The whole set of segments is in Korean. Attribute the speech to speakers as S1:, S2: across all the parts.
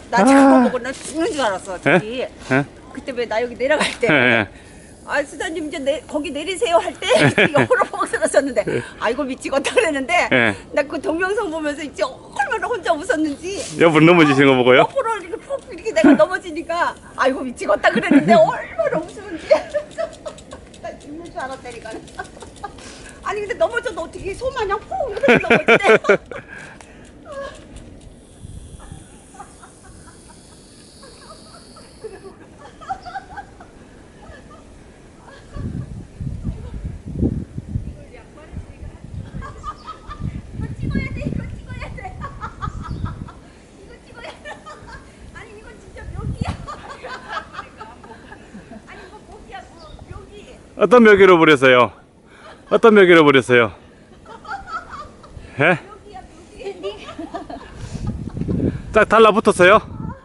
S1: 나 저거 보고 나 죽는 줄 알았어 저기. 그때 왜 나 여기 내려갈 때 아 수사님 이제 거기 내리세요 할 때 옆으로 보고 들었었는데 아이고 미치겠다 그랬는데 나 그 동영상 보면서 이제 얼마나 혼자 웃었는지.
S2: 옆으로 넘어지시는 거 보고요?
S1: 옆으로 이렇게 푹 이렇게 내가 넘어지니까 아이고 미치겠다 그랬는데 얼마나 웃으는지. 나 죽는 줄 알았다니까. 아니 근데 넘어져도 어떻게 소마냥 푹 이렇게 넘어지대.
S2: 어떤 묘기로 부렸어요? 어떤 묘기로 부렸어요? 예? 딱 달라붙었어요?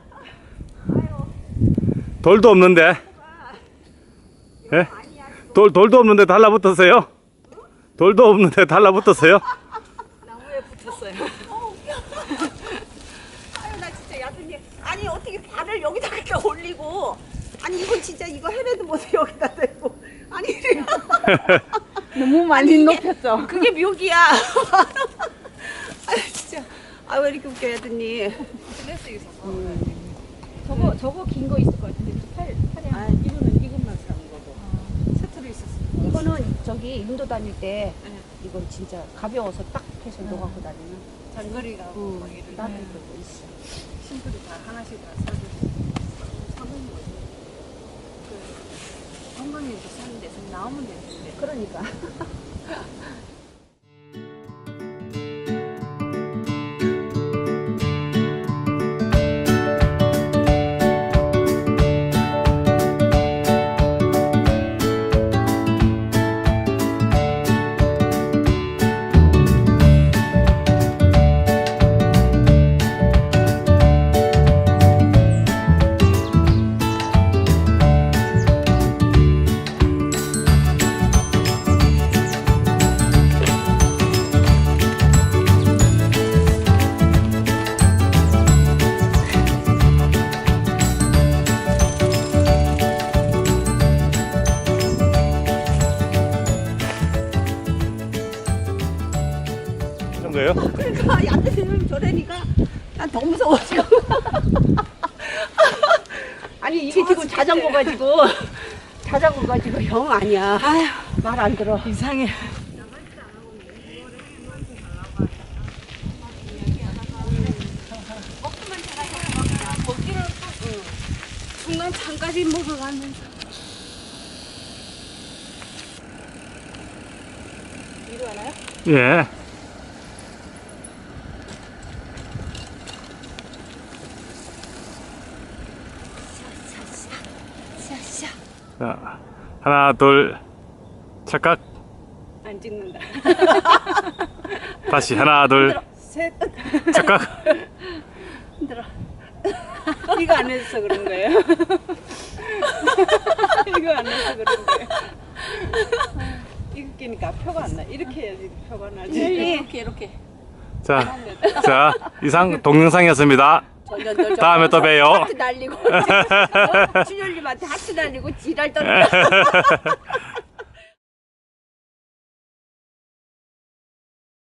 S2: 돌도 없는데? 예? 돌도 없는데 달라붙었어요? 돌도 없는데 달라붙었어요?
S1: 나무에 붙었어요. 아유 나 진짜 야근이. 아니 어떻게 발을 여기다 이렇게 올리고. 아니 이건 진짜 이거 헤매도 못해 여기다 대고. 아니
S3: 너무 많이 높였죠.
S1: 그게 묘기야. 아유 진짜. 아 왜 이렇게 웃겨 야근이.
S3: 저거 긴 거 있을 것 같은데 팔이
S1: 아 이것만 사는 거고. 세트로 있었어.
S3: 이거는 저기 인도 다닐 때 이건 진짜 가벼워서 딱 해서 넣어갖고 다니는
S1: 장거리가 뭐 이런
S3: 나도 그거 있어.
S1: 친구들 다 하나씩 다 사주고 사먹는 거지. 그 건강해서 사는 데서 나오면 되는데.
S3: 그러니까.
S2: 이런 거예요?
S1: 그러니까 야근이 저래니까 난 더 무서워 지금. 아니 이거 지금 자전거 가지고 형 아니야. 말 안 들어.
S3: 이상해.
S1: 거기를 중간 장까지 먹어가면서. 이리 와나요?
S2: 예.
S1: 샤샤.
S2: 자, 하나, 둘, 착각.
S1: 안 찍는다.
S2: 다시 하나, 둘,
S1: 셋.
S2: 착각.
S1: 힘들어. 이거 안 해서 그런 거예요. 이거 안 해서 그런 거예요. 이거 끼니까 표가 안 나. 이렇게 해야지 표가 나지.
S3: 이렇게.
S2: 자, 이상 동영상이었습니다. 다음에 또 봬요.
S1: 하트 날리고 준열님한테 하트 날리고 지랄 떨어.